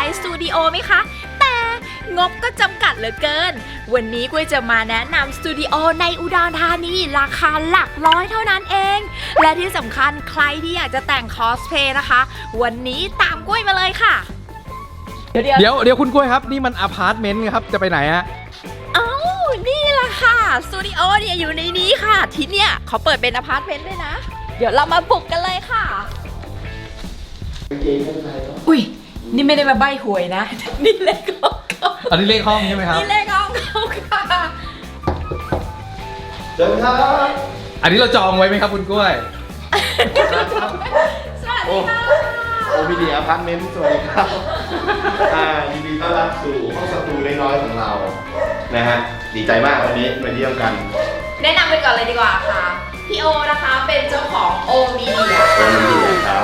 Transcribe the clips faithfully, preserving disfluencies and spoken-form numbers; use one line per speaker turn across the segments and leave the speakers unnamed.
สตูดิโอไหมคะแต่งบก็จำกัดเหลือเกินวันนี้กุ้ยจะมาแนะนำสตูดิโอในอุดรธานีราคาหลักร้อยเท่านั้นเองและที่สำคัญใครที่อยากจะแต่งคอสเพลย์นะคะวันนี้ตามกุ้ยมาเลยค่ะ
เดี๋ยวเดี๋ยวเดี๋ยวคุณกล้วยครับนี่มันอพาร์ตเมนต์ครับจะไปไหนฮะ
เอ้านี่แหละค่ะสตูดิโอเนี่ยอยู่ในนี้ค่ะที่เนี่ยเขาเปิดเป็นอพาร์ตเมนต์ด้วยนะเดี๋ยวเรามาบุกกันเลยค่ะอุ้ยนี่ไม่ได้มาใบ้หวยนะนี่เลขห้องเขา
อันนี้เลขห้องใช่ไหมครับ
นี่เลขห้องเขาค่ะ
เชิญครับ
อันนี้เราจองไว้ไหมครับคุณกล้วย
สวัสดีค่ะ
โอพีดีอพาร์ตเมนต์สวัสดีครับอ่ายินดีต้อนรับสู่ห้องสตูน้อยๆของเรานะฮะดีใจมากวันนี้มาเยี่ยมกัน
แนะนำไปก่อนเลยดีกว่าค่ะพี่โอนะคะเป็นเจ้าของโอมีเดีย
โอมีเดียครับ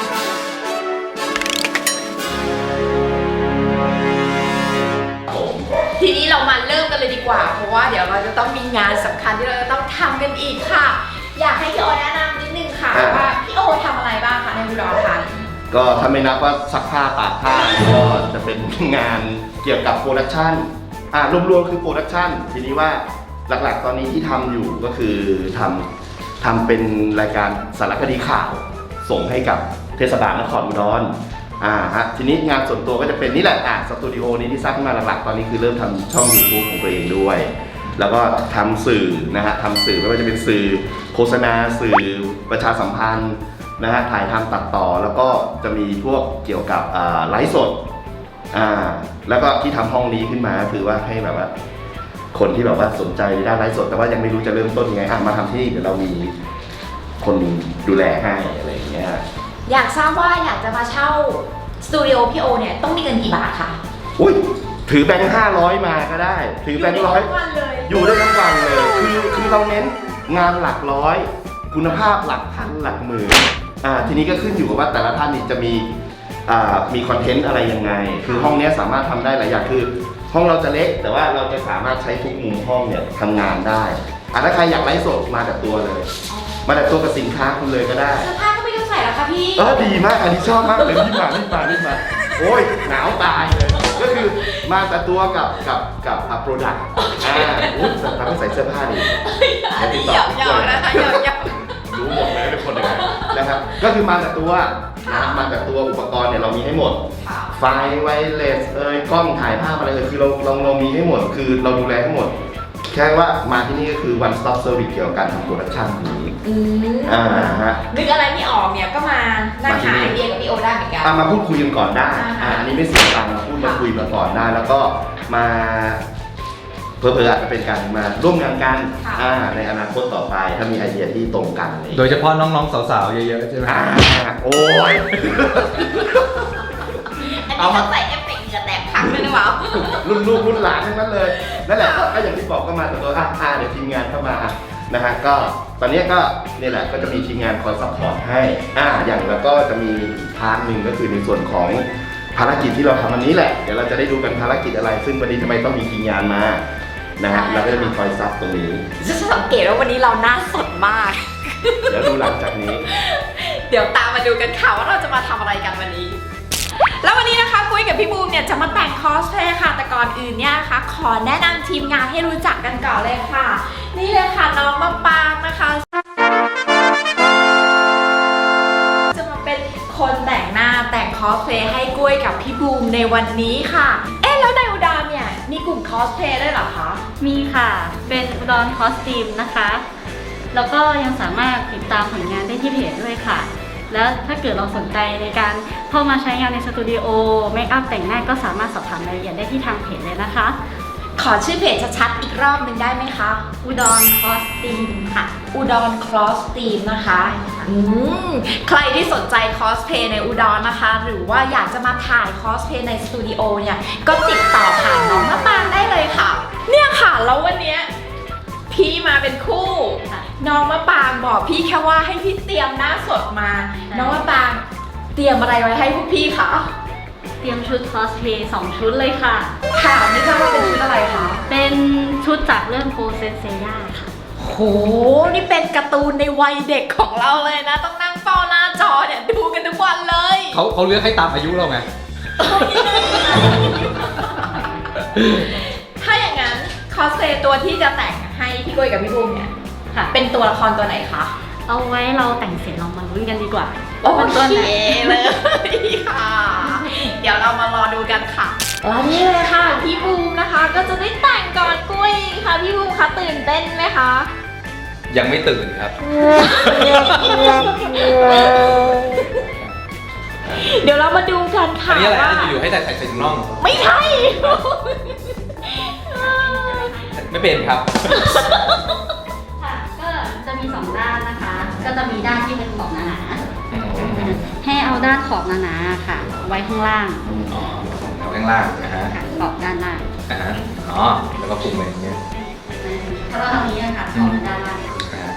ทีนี้เรามาเริ่มกันเลยดีกว่าเพราะว่าเดี๋ยวเราจะต้องมีงานสำคัญที่เราจะต้องทำกันอีกค่ะอยากให้พี่โอแนะนำนิดนึงค่ะว่าพี่โอทำอะไรบ้างคะในอุดรธานี
ก็ถ้าไม่นับว่าซักผ้าตากผ้าก็จะเป็นงานเกี่ยวกับโปรดักชันอ่ารวมๆคือโปรดักชันทีนี้ว่าหลักๆตอนนี้ที่ทำอยู่ก็คือทำทำเป็นรายการสารคดีข่าวส่งให้กับเทศบาลนครอุดรอ่าฮะทีนี้งานส่วนตัวก็จะเป็นนี่แหละอ่ะสตูดิโอนี้ที่สร้างขึ้นมาหลักๆตอนนี้คือเริ่มทำช่อง ยูทูบ ของตัวเองด้วยแล้วก็ทำสื่อนะฮะทำสื่อไม่ว่าจะเป็นสื่อโฆษณาสื่อประชาสัมพันธ์นะฮะถ่ายทำตัดต่อแล้วก็จะมีพวกเกี่ยวกับไลฟ์สดอ่าแล้วก็ที่ทำห้องนี้ขึ้นมาคือว่าให้แบบว่าคนที่แบบว่าสนใจในด้านไลฟ์สดแต่ว่ายังไม่รู้จะเริ่มต้นยังไงอ่ะมาทำที่นี่เดี๋ยวเรามีคนดูแลให้อะไรอย่างเงี้ย
อยากทราบว่าอยากจะมาเช่าสตูดิโอพี่โอเนี่ยต้องมีเงินกี่บาทคะ
อุ้ยถือแบงค์ห้าร้อยมาก็ได้ถือแบงค์ร้อยอยู่ได้ทั้งวันเลยคือคือเราเน้นงานหลักร้อยคุณภาพหลักพันหลักหมื่นอ่าทีนี้ก็ขึ้นอยู่กับว่าแต่ละท่านนี่จะมีอ่ามีคอนเทนต์อะไรยังไงคือห้องนี้สามารถทำได้หลายอย่างคือห้องเราจะเล็กแต่ว่าเราจะสามารถใช้ทุกมุมห้องเนี่ยทำงานได้อ่ะถ้าใครอยากไลฟ์สดมาแต่ตัวเลยมาแต่ตัวกับสินค้าคุณเลยก็ได้
เสื้อผ้าก็ไม่ต้องใส่แล้วค่ะพี่
เออดีมากอันนี้ชอบมากเลยรีบมารีบมารีบมาโอ้ยหนาวตายเลยก็คือมาแต่ตัวกับกับกับอัพโปรดักต์อ่าอุ้ยทำให้ใส่เสื้อผ้าดี
อันนี้หยอกหยอกนะคะหยอกหยอก
รู้หมดเลยเป็นคนยังไงนะครับก็คือมาแต่ตัวนะมาแต่ตัวอุปกรณ์เนี่ยเรามีให้หมดไฟไวเลสเอ่ยกล้องถ่ายภาพอะไรเอ่ยคือเราเราเรามีให้หมดคือเราดูแลให้หมดแค่ว่ามาที่นี่ก็คือ one stop service เกี่ยวกับการทำโปรดักชั่นนี้อ่าฮะ
นึกอะไรไม่ออกเนี่ยก็มานั่งหาไอเดียกับพี่โอได้เหมือนกัน
มาพูดคุยกันก่อนได้อ่าอันนี้ไม่เสียตังค์มาพูดมาคุยมาก่อนได้แล้วก็มาเพื่อๆอาจจะเป็นการมาร่วมงานกันในอนาคตต่อไปถ้ามีไอเดียที่ตรงกัน
โดยเฉพาะน้องๆสาวๆเยอะๆใช่ไหม
โอ้ย
เอามาใส่เอฟเฟกต์เหงื่อแตกพังเลยนะวะ
รุ่นลูกรุ่นหลานทั้งนั้นเลยนั่นแหละก็อย่างที่บอกก็มาตัวอ่าเดี๋ยวทีมงานเข้ามานะฮะก็ตอนนี้ก็นี่แหละก็จะมีทีมงานคอยซัพพอร์ตให้อ่าอย่างแล้วก็จะมีพาร์ทหนึ่งก็คือในส่วนของภารกิจที่เราทำวันนี้แหละเดี๋ยวเราจะได้ดูกันภารกิจอะไรซึ่งวันนี้ทำไมต้องมีทีมงานมานะฮะเราก็จะมีคอยซับตรงนี้
จะสังเกตว่าวันนี้เราหน้าสดมาก
เดี๋ยวดูหลังจากนี้
เดี๋ยวตามมาดูกันค่ะว่าเราจะมาทำอะไรกันวันนี้แล้ววันนี้นะคะกุ้ยกับพี่บูมเนี่ยจะมาแต่งคอสเพลย์ค่ะแต่ก่อนอื่นเนี่ยนะคะขอแนะนำทีมงานให้รู้จักกันก่อนเลยค่ะนี่เลยค่ะน้องมะปางนะคะจะมาเป็นคนแต่งหน้าแต่งคอสเพลย์ให้กุ้ยกับพี่บูมในวันนี้ค่ะเอ๊ะแล้วในอุดรเนี่ยมีกลุ่มคอสเพลย์ด้วยเหรอคะ
มีค่ะเป็นอุดรคอสตูมนะคะแล้วก็ยังสามารถติดตามผลงานได้ที่เพจด้วยค่ะแล้วถ้าเกิดเราสนใจในการเข้ามาใช้งานในสตูดิโอเมคอัพแต่งหน้าก็สามารถสอบถามรายละเอียดได้ที่ทางเพจเลยนะคะ
ขอชื่อเพจชัดๆอีกรอบหนึ่งได้ไหมคะ
อุดรคอสตูมค่ะ
อุดรคอสตูมนะคะอืมใครที่สนใจคอสเพลย์ในอุดรนะคะหรือว่าอยากจะมาถ่ายคอสเพลย์ในสตูดิโอเนี่ยก็ติดต่อผ่านน้องมะปางได้เลยค่ะเนี่ยค่ะแล้ววันเนี้ยพี่มาเป็นคู่น้องมะปางบอกพี่แค่ว่าให้พี่เตรียมหน้าสดมาน้องมะปางเตรียมอะไรไว้ให้พวกพี่คะ
เตรียมชุดคอสเพลย์สองชุดเลยค่ะ
ค่ะไม่ทราบว่าเป็นชุดอะไรคะ
เป็นชุดจากเรื่องโปเซนเซียค่ะ
โหนี่เป็นการ์ตูนในวัยเด็กของเราเลยนะต้องนั่งเฝ้าหน้าจอเนี่ยดูกันทุกวันเลย
เขาเขาเลือกให้ตามอายุเราไง
ถ้าอย่างนั้นคอสเพลย์ตัวที่จะแต่งให้พี่กุ้ยกับพี่บูมเนี่ย
ค่ะ
เป็นตัวละครตัวไหนคะ
เอาไว้เราแต่งเสร็จเรามาลุ้นกันดีกว่า
โอ
ว่าเป็นตัว
เค
ไหน
เลยค่ะ เดี๋ยวเรามารอดูกันค่ะแล้วนี่เลยค่ะพี่บูมนะคะ ก็จะได้แต่งก่อนกุ้ยค่ะพี่บูมคะตื่นเต้นไหมคะ
ยังไม่ตื่นครับ
เดี๋ยวเรามาดูกัน
อั
ค่ะ
นนี้อะไร
ว่า
นะอยู่ๆให้ใส่ใส่ใส่ถุงน่อง
ไม่ใช่
ไม่เป็นครับ
ค่ะ ก็จะมีสองด้านนะคะ ก็จะมีด้านที่เป็นขอบหนาๆให้เอาด้านขอบหนาๆค่ะ ไว้ข้างล่าง
อ๋อเอาข้างล่างนะฮะ
ค่ะขอบด้านล่าง
อ่าฮะอ๋อ แล้วก็คลุมไปอย่างเงี้ย
เพราะว่าทางนี้นะคะขอบด้านล่าง
นะฮะ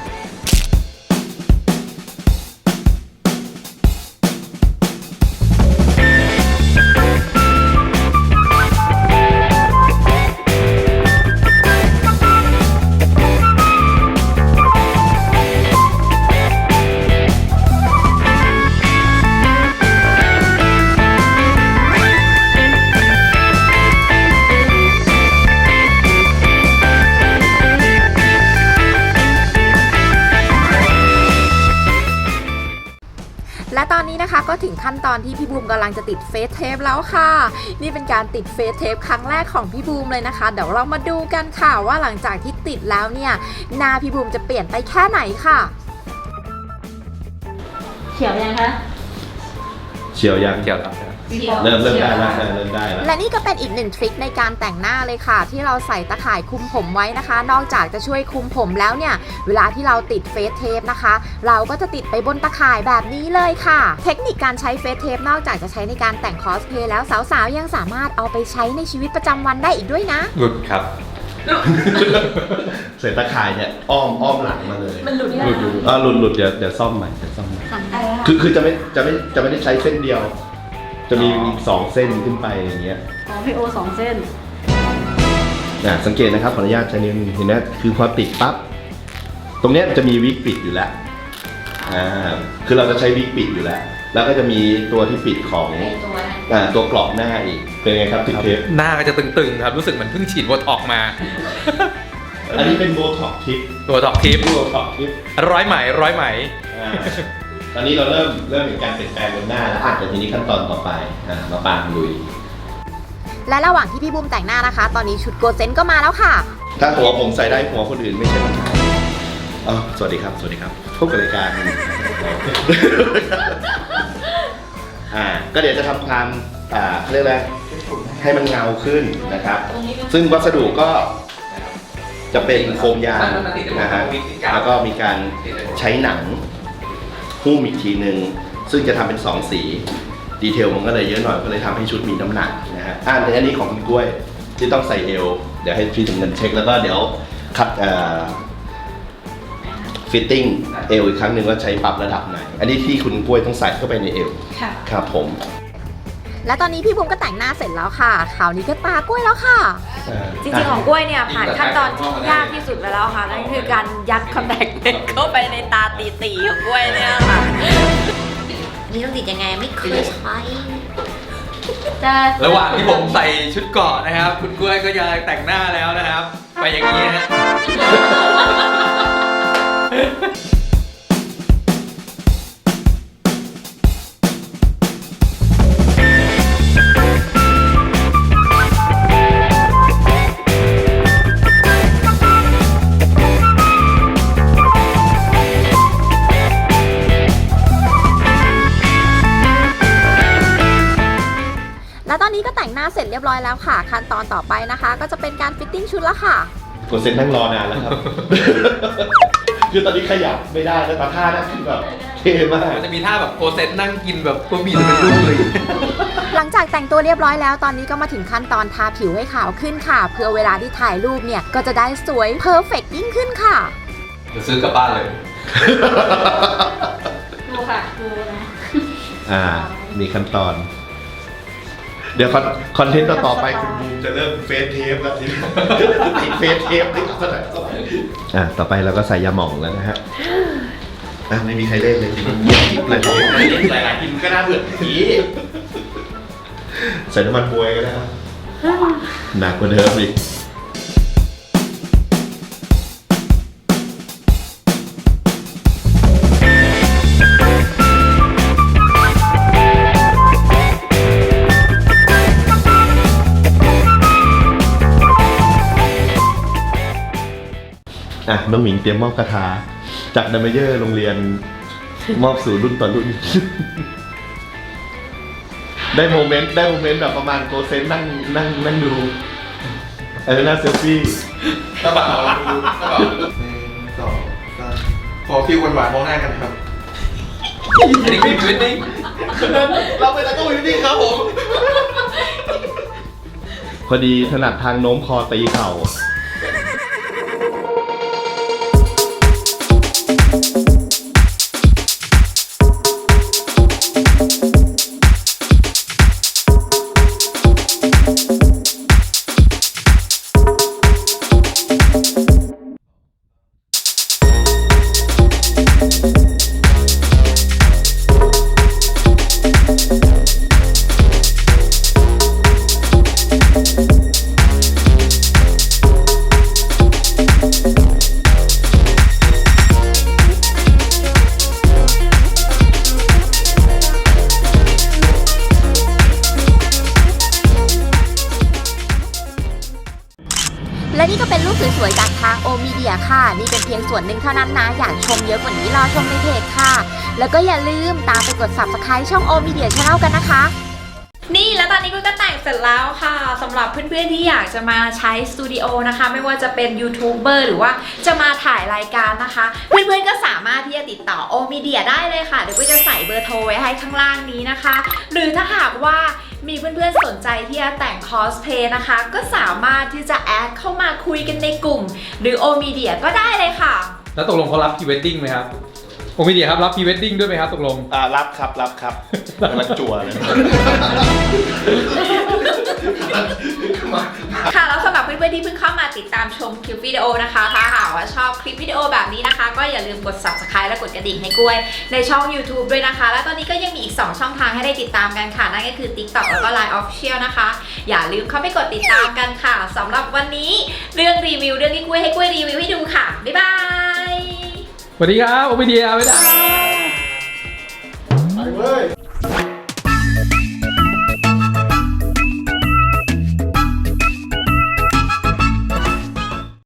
และตอนนี้นะคะก็ถึงขั้นตอนที่พี่บูมกำลังจะติดเฟซเทปแล้วค่ะ นี่เป็นการติดเฟซเทปครั้งแรกของพี่บูมเลยนะคะ เดี๋ยวเรามาดูกันค่ะว่าหลังจากที่ติดแล้วเนี่ยหน้าพี่บูมจะเปลี่ยนไปแค่ไหนค่ะ
เขียวยังคะ
เชียวยัง
เกี่ยวครับ
เริ่มเริ่มได้แล้วเริ่มได้แล้ว
และนี่ก็เป็นอีกหนึ่งทริคในการแต่งหน้าเลยค่ะ ที่เราใส่ตะข่ายคลุมผมไว้นะคะ นอกจากจะช่วยคลุมผมแล้วเนี่ยเวลาที่เราติดเฟซเทปนะคะ เราก็จะติดไปบนตะข่ายแบบนี้เลยค่ะ เทคนิคการใช้เฟซเทปนอกจากจะใช้ในการแต่งคอสเพลย์แล้วสาวๆยังสามารถเอาไปใช้ในชีวิตประจำวันได้อีกด้วยนะ
หลุดครับ
เสร็จตะข่ายเนี่ยอ้อมอ้อมหลังมาเลย
มันหลุด
หลุดหลุดอ่าหลุดหลุดเดี๋ยวเดี๋ยวซ่อมใหม่เดี๋ยวซ่อมใหม่
สองด้าน
คือคือจะไม่จะไม่จะไม่ได้ใช้เส้นเดียว จะมีอีกสองเส้นขึ้นไปอย่างเงี้ย
ของพี่โอสองเส้น
อ่ะสังเกตนะครับขออนุญาตใช้นิ้วเห็นไหมคือพอติดปั๊บตรงเนี้ยจะมีวิกปิดอยู่แล้วอ่าคือเราจะใช้วิกปิดอยู่แล้ว แล้วก็จะมีตัวที่ปิดของอ่าตัวกรอบหน้าอีกเป็นไงครับติดเทป
หน้าก็จะตึงๆครับ รู้สึกเหมือนเพิ่งฉีดโบท็อกซ์มา
อันนี้เป็นโบท็อกทิป
ตัวท็อกทิป
โบท็อกทิป
ร้อยไหมร้อยไหม
อ่าตอนนี้เราเริ่มเริ่มเห็นการเปลี่ยนแปลงบนหน้าแล้วอ่ะแต่ทีนี้ขั้นตอนต่อไปอ่ามาปางลุย
และระหว่างที่พี่บูมแต่งหน้านะคะ ตอนนี้ชุดโกเซนก็มาแล้วค่ะ
ถ้าหัวผมใส่ได้หัวคนอื่นไม่ใช่ปัญหาอ๋อสวัสดีครับ สวัสดีครับ พบกับรายการ อ่า ก็เดี๋ยวจะทำความอ่าเขาเรียกอะไรให้มันเงาขึ้นนะครับ ซึ่งวัสดุก็จะเป็นโฟมยางนะฮะ แล้วก็มีการใช้หนังหุ้มอีกทีหนึ่งซึ่งจะทำเป็นสองสี ดีเทลมันก็เลยเยอะหน่อย ก็เลยทำให้ชุดมีน้ำหนักนะฮะอ่าอันนี้ของคุณกล้วยที่ต้องใส่เอว เดี๋ยวให้พี่ถึงเงินเช็คแล้วก็เดี๋ยวคัดเอ่อฟิตติ้งเอวอีกครั้งหนึ่งว่าใช้ปรับระดับไหน อันนี้ที่คุณกล้วยต้องใส่เข้าไปในเอว
ค่ะ
ครับผม
และตอนนี้พี่บูมก็แต่งหน้าเสร็จแล้วค่ะคราวนี้ก็ตากล้วยแล้วค่ะ จริงๆของกล้วยเนี่ยผ่านขั้นตอนที่ยากที่สุดไปแล้วค่ะนั่นคือการยัดคอนแทคเลนส์เข้าไปในตาตีๆของกล้วยเนี่ยค่ะนี่ต้องติดยังไงไม่เคยใช้
จะ
ระหว่างที่ผมใส่ชุดเกราะนะครับ คุณกล้วยก็ยังแต่งหน้าแล้วนะครับ ไปอย่างนี้ฮะ
และตอนนี้ก็แต่งหน้าเสร็จเรียบร้อยแล้วค่ะ ขั้นตอนต่อไปนะคะ ก็จะเป็นการฟิตติ้งชุดแล้วค่ะ
กดเซ็นนั่งรอนานแล้วครับ คือตอนนี้ขยับไม่ได้แล้วตาท่านั่นคือแบบเท่มาก
มันจะมีท่าแบบโคเซนนั่งกินแบบบะหมี่จะเป็นลูกเลย
หลังจากแต่งตัวเรียบร้อยแล้ว ตอนนี้ก็มาถึงขั้นตอนทาผิวให้ขาวขึ้นค่ะ เพื่อเวลาที่ถ่ายรูปเนี่ยก็จะได้สวยเพอร์เฟกต์ยิ่งขึ้นค่ะ
เดี๋ยวซื้อกลับบ้านเลย
ดูค่ะดูนะ
อ่า มีขั้นตอน เดี๋ยวคอนคอนเทนต์ต่อๆไปคุณบูมจะเริ่มเฟซเทปแล้วทีนี้ ติดเฟซเทปติดขนาดอ่าต่อไปเราก็ใส่ยาหม่องแล้วนะฮะอ่ะไม่มีใครเล่นเลยเงียบกริบเลย
หลายๆทีมก็น่าเบื่อที
ใส่น้ำมันบวยก็ได้ครับหนักกว่าเดิมอีกอ่ะน้องหมิงเตรียมมอบคาถาจากดัมเมเยอร์โรงเรียนมอบสู่รุ่นต่อรุ่น ได้โมเมนต์ได้โมเมนต์แบบประมาณโกเซนนั่งนั่งนั่งดูอะไรนะเซลฟี่
กระเป๋าดูกระเป๋าดูหนึ่งสองสามขอฟิวหวานๆมองหน้ากันครับอันนี้คือชีวิตจริง
เราไปตะโกนอยู่นี่ครับผม พอดีถนัดทางโน้มคอตีเข่า
และนี่ก็เป็นรูปสวยๆจากทางโอมีเดียค่ะนี่เป็นเพียงส่วนหนึ่งเท่านั้นนะอยากชมเยอะกว่านี้รอชมในเพจค่ะแล้วก็อย่าลืมตามไปกด ซับสไครบ์ ช่องโอมีเดีย ชาแนลกันนะคะ
นี่แล้วตอนนี้กุ้ยก็แต่งเสร็จแล้วค่ะสำหรับเพื่อนๆที่อยากจะมาใช้สตูดิโอนะคะไม่ว่าจะเป็นยูทูบเบอร์หรือว่าจะมาถ่ายรายการนะคะเพื่อนๆก็สามารถที่จะติดต่อโอมีเดียได้เลยค่ะเดี๋ยวกุ้ยจะใส่เบอร์โทรไว้ให้ข้างล่างนี้นะคะหรือถ้าหากว่ามีเพื่อนๆสนใจที่จะแต่งคอสเพลย์นะคะก็สามารถที่จะแอดเข้ามาคุยกันในกลุ่มหรือโอมีเดียก็ได้เลยค่ะ
แล้วตกลงเขารับพรีเวดดิ้งไหมครับโอมีเดียครับรับพรีเวดดิ้งด้วยไหมครับตกลง
อ่ารับครับรับครับกำลังจั่วเลย
ค่ะแล้วสำหรับเพื่อนๆที่เพิ่งเข้ามาติดตามชมคลิปวิดีโอนะคะถ้าหากว่าชอบคลิปวิดีโอแบบนี้นะคะก็อย่าลืมกด ซับสไครบ์ และกดกระดิ่งให้กล้วยในช่อง ยูทูบ ด้วยนะคะและตอนนี้ก็ยังมีอีกสองช่องทางให้ได้ติดตามกันค่ะนั่นก็คือ ติ๊กต็อก แล้วก็ ไลน์ Official นะคะอย่าลืมเข้าไปกดติดตามกันค่ะสำหรับวันนี้เรื่องรีวิวเรื่องที่กล้วยให้กล้วยรีวิวให้ดูค่ะบ๊ายบาย
สวัสดีครับโอมีเดียบ๊ายบาย
ไปเว้ย